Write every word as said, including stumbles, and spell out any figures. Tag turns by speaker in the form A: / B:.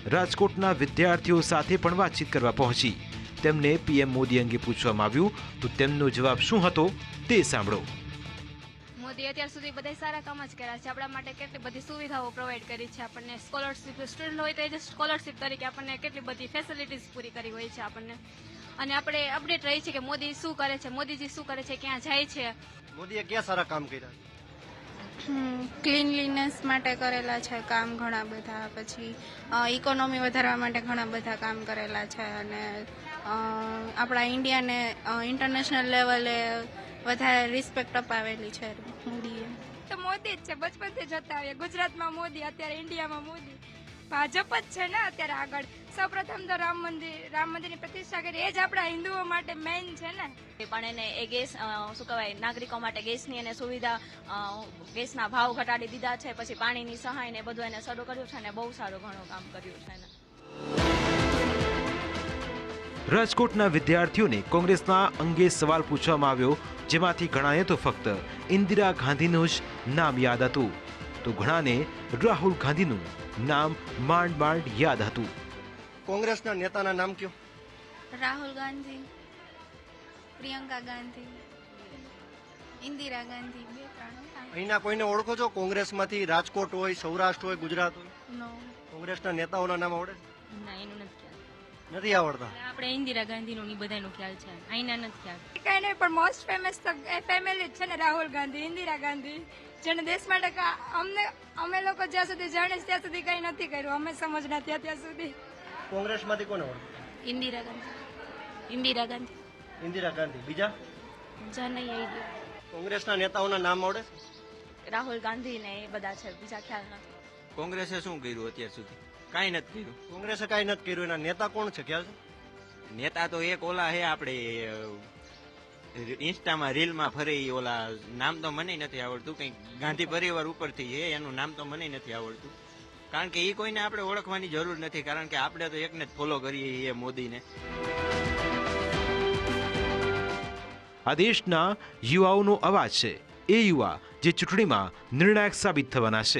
A: રાજકોટના વિદ્યાર્થીઓ સાથે પણ વાતચીત કરવા પહોંચી। તેમને પીએમ મોદી અંગે પૂછવામાં આવ્યું તો તેમનો જવાબ શું હતો તે સાંભળો।
B: મોદી અત્યાર સુધી બધા સારા કામ જ કર્યા છે, આપણા માટે કેટલી બધી સુવિધાઓ પ્રોવાઈડ કરી છે, આપણને સ્કોલરશિપ સ્ટુડન્ટ હોય તો એ સ્કોલરશિપ તરીકે આપણને કેટલી બધી ફેસિલિટીઝ પૂરી કરી હોય છે આપણને, અને આપણે અપડેટ રહી છે કે મોદી શું કરે છે, મોદીજી શું કરે છે, ક્યાં જાય છે।
C: મોદીએ ક્યાં સારા કામ કર્યા?
D: ક્લીનલીનેસ માટે કરેલા છે કામ ઘણા બધા, પછી ઇકોનોમી વધારવા માટે ઘણા બધા કામ કરેલા છે, અને આપણા ઇન્ડિયાને ઇન્ટરનેશનલ લેવલે વધારે રિસ્પેક્ટ અપાવેલી છે મોદીએ।
E: તો મોદી જ છે, બચપનથી જતા આવીએ ગુજરાતમાં મોદી, અત્યારે ઇન્ડિયામાં મોદી, ભાજપ જ છે ને અત્યારે આગળ। સૌપ્રથમ તો રામ મંદિર રામ મંદિરની પ્રતિષ્ઠા કરી, એ જ આપણા હિન્દુઓ માટે મેઇન છે ને।
F: પણ એને એ ગેસ શું કહેવાય નાગરિકો માટે ગેસની અને સુવિધા, ગેસના ભાવ ઘટાડી દીધા છે, પછી પાણીની સહાય ને બધું એને શરૂ કર્યું છે, ને બહુ સારું ઘણું કામ કર્યું છે એને।
A: રાજકોટના વિદ્યાર્થીઓને કોંગ્રેસના અંગે સવાલ પૂછવામાં આવ્યો, જેમાંથી ઘણાને તો ફક્ત ઇન્દિરા ગાંધીનું જ નામ યાદ હતું, તો ઘણાને રાહુલ ગાંધીનું નામ માંડ માંડ યાદ હતું।
C: કોંગ્રેસના નેતાના નામ કયો?
D: રાહુલ ગાંધી, પ્રિયંકા ગાંધી, ઇન્દિરા ગાંધી, બે ત્રણ।
C: અહીંના કોઈને ઓળખો છો કોંગ્રેસમાંથી? રાજકોટ હોય, સૌરાષ્ટ્ર હોય, ગુજરાત હોય?
D: નો,
C: કોંગ્રેસના નેતાઓના નામ આવડે?
F: ના, એનું નથી ખ્યાલ,
C: નથી આવડતા?
F: આપણે ઇન્દિરા ગાંધીનું ની બધાનો ખ્યાલ છે, અહીંના નથી ખ્યાલ।
E: કઈ નહીં, પણ મોસ્ટ ફેમસ તો ફેમિલી જ છે ને, રાહુલ ગાંધી, ઇન્દિરા ગાંધી, જેને દેશ માટે અમને અમે લોકો જ્યાં સુધી જાણીશ ત્યાં સુધી કઈ નથી કર્યું, અમે સમજના ત્યાં ત્યાં સુધી।
C: કોંગ્રેસમાંથી કોને ઓળખો?
D: ઇન્દિરા ગાંધી, ઇન્દિરા ગાંધી,
C: ઇન્દિરા ગાંધી। બીજા
D: જનય આઈડિયા।
C: કોંગ્રેસના નેતાઓના નામ આવડે?
F: રાહુલ ગાંધી ને એ બધા છે, બીજા ખ્યાલ નથી।
G: કોંગ્રેસે શું કર્યું અત્યાર સુધી? કાંઈ નથી કર્યું।
C: કોંગ્રેસે કાંઈ નથી કર્યું, એના નેતા કોણ છે ખ્યાલ છે?
G: નેતા તો એક ઓલા હે આપણે ઇન્સ્ટામાં રીલમાં ફરે ઈ ઓલા, નામ તો મને નથી આવડતું, કંઈક ગાંધી પરિવાર ઉપરથી છે, એનું નામ તો મને નથી આવડતું, કારણ કે એ કોઈને આપણે ઓળખવાની જરૂર નથી, કારણ કે આપણે તો એકને જ ફોલો કરીએ એ મોદીને।
A: આ દેશના યુવાઓનો અવાજ છે, એ યુવા જે ચૂંટણીમાં નિર્ણાયક સાબિત થવાના છે।